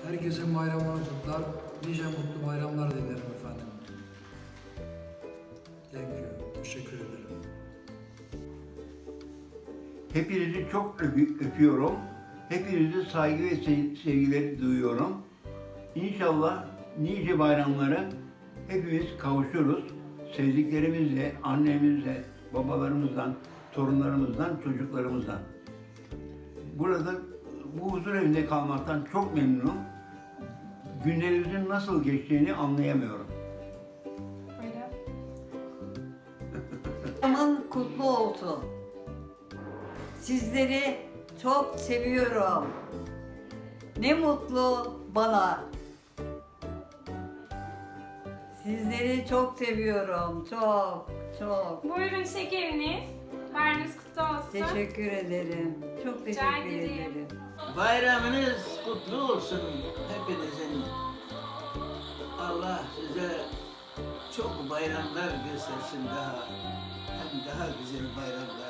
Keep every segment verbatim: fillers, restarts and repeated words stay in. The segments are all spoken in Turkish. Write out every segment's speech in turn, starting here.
Herkesin bayramını kutlar. Nice mutlu bayramlar dilerim efendim. Thank you. Teşekkür ederim. Hepinizi çok öpü- öpüyorum. Hepinizi saygı ve se- sevgileri duyuyorum. İnşallah nice bayramlara hepimiz kavuşuruz. Sevdiklerimizle, annemizle, babalarımızdan, torunlarımızdan, çocuklarımızdan. Burada bu huzur evinde kalmaktan çok memnunum. Günlerimizin nasıl geçtiğini anlayamıyorum. Bayramın kutlu olsun. Sizleri çok seviyorum. Ne mutlu bana. Sizleri çok seviyorum. Çok, çok. Buyurun şekeriniz. Bayramınız kutlu olsun. Teşekkür ederim. Çok Rica teşekkür ederim. ederim. Bayramınız kutlu olsun hepinizin. Allah size çok bayramlar göstersin daha. Hem daha güzel bayramlar.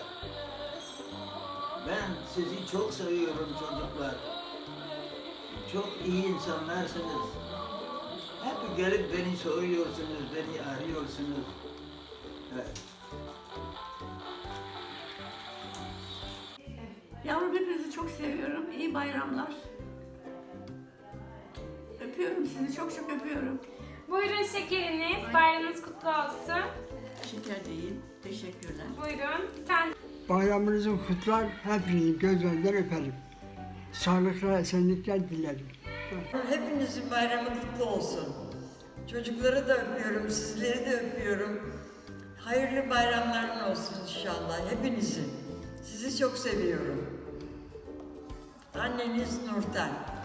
Ben sizi çok seviyorum çocuklar. Çok iyi insanlarsınız. Hep gelip beni soruyorsunuz, beni arıyorsunuz. Evet. Yavrum hepinizi çok seviyorum. İyi bayramlar. Öpüyorum sizi. Çok çok öpüyorum. Buyurun şekeriniz. Bayramınız kutlu olsun. Şeker değil. Teşekkürler. Buyurun. Bir tane Bayramınızı kutlar, hepinizi gözlerinden öperim. Sağlıklı esenlikler dilerim. Hepinizin bayramı kutlu olsun. Çocukları da öpüyorum, sizleri de öpüyorum. Hayırlı bayramların olsun inşallah hepinizin. Sizi çok seviyorum. Anneniz Nurten.